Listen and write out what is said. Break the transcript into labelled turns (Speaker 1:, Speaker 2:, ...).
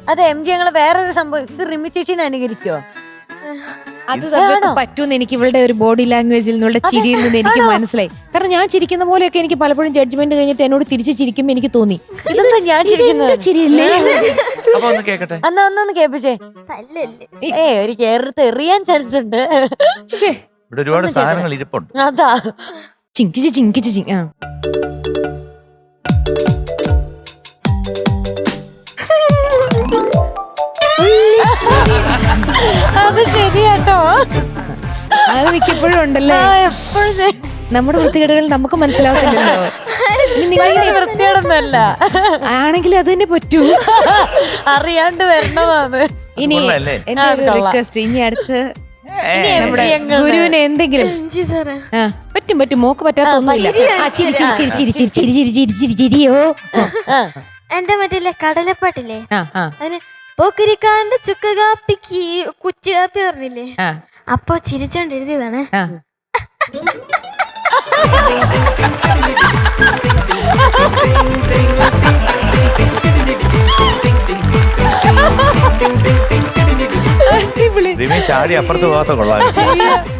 Speaker 1: അതെ M G ഞങ്ങള് വേറൊരു സംഭവം ഇത് റിമി ചേച്ചിനെ അനുകരിക്കോ?
Speaker 2: അത് പറ്റൂന്ന് എനിക്ക് ഇവളുടെ ഒരു ബോഡി ലാംഗ്വേജിൽ നിന്നുള്ള ചിരിയിൽ നിന്ന് എനിക്ക് മനസ്സിലായി. കാരണം ഞാൻ ചിരിക്കുന്ന പോലെയൊക്കെ എനിക്ക് പലപ്പോഴും ജഡ്ജ്മെന്റ് കഴിഞ്ഞിട്ട് എന്നോട് തിരിച്ച് ചിരിക്കുമ്പോ എനിക്ക് തോന്നി
Speaker 1: ഇതെന്താ ഞാൻ
Speaker 2: ചിരിയല്ലേ.
Speaker 3: അപ്പൊ ഒന്ന് കേക്കട്ടെ.
Speaker 1: ഒന്നൊന്ന് കേൾപ്പിച്ചേ. ഒരു കേരളത്തെ എറിയാൻ ചാൻസ് ഉണ്ട്.
Speaker 3: ഇവിടെ ഒരുപാട് സാധനങ്ങൾ ഇരിപ്പുണ്ട്.
Speaker 1: അതാ
Speaker 2: ചിങ്കിച്ച് ചിങ്കിച്ച് ചിങ്.
Speaker 1: അത് ശരിയാട്ടോ.
Speaker 2: അത് മിക്കപ്പോഴും ഉണ്ടല്ലേ.
Speaker 1: എപ്പോഴും
Speaker 2: നമ്മുടെ വൃത്തികേടുകൾ നമുക്ക് മനസ്സിലാവുന്നില്ലല്ലോ.
Speaker 1: വൃത്തികേടൊന്നല്ല
Speaker 2: ആണെങ്കിൽ അത് തന്നെ പറ്റൂ.
Speaker 1: അറിയാണ്ട് വരണതാണ്.
Speaker 2: ഇനി എന്റെ ഒരു റിക്വസ്റ്റ്, ഇനി അടുത്ത് നമ്മുടെ ഗുരുവിന് എന്തെങ്കിലും പറ്റും പറ്റും മോക്ക് പറ്റാത്ത ഒന്നുമില്ല. ചിരിയോ
Speaker 4: എന്റെ മറ്റേ കടലപ്പാട്ടില്ലേ, അതിന് പോക്കരിക്കാന്റെ ചുക്ക് കാപ്പിക്ക് കുച്ചു കാപ്പി പറഞ്ഞില്ലേ, അപ്പൊ ചിരിച്ചോണ്ട് എഴുതിയതാണ്.
Speaker 3: ചാടി അപ്പുറത്ത് പോകാത്ത കൊള്ളാം.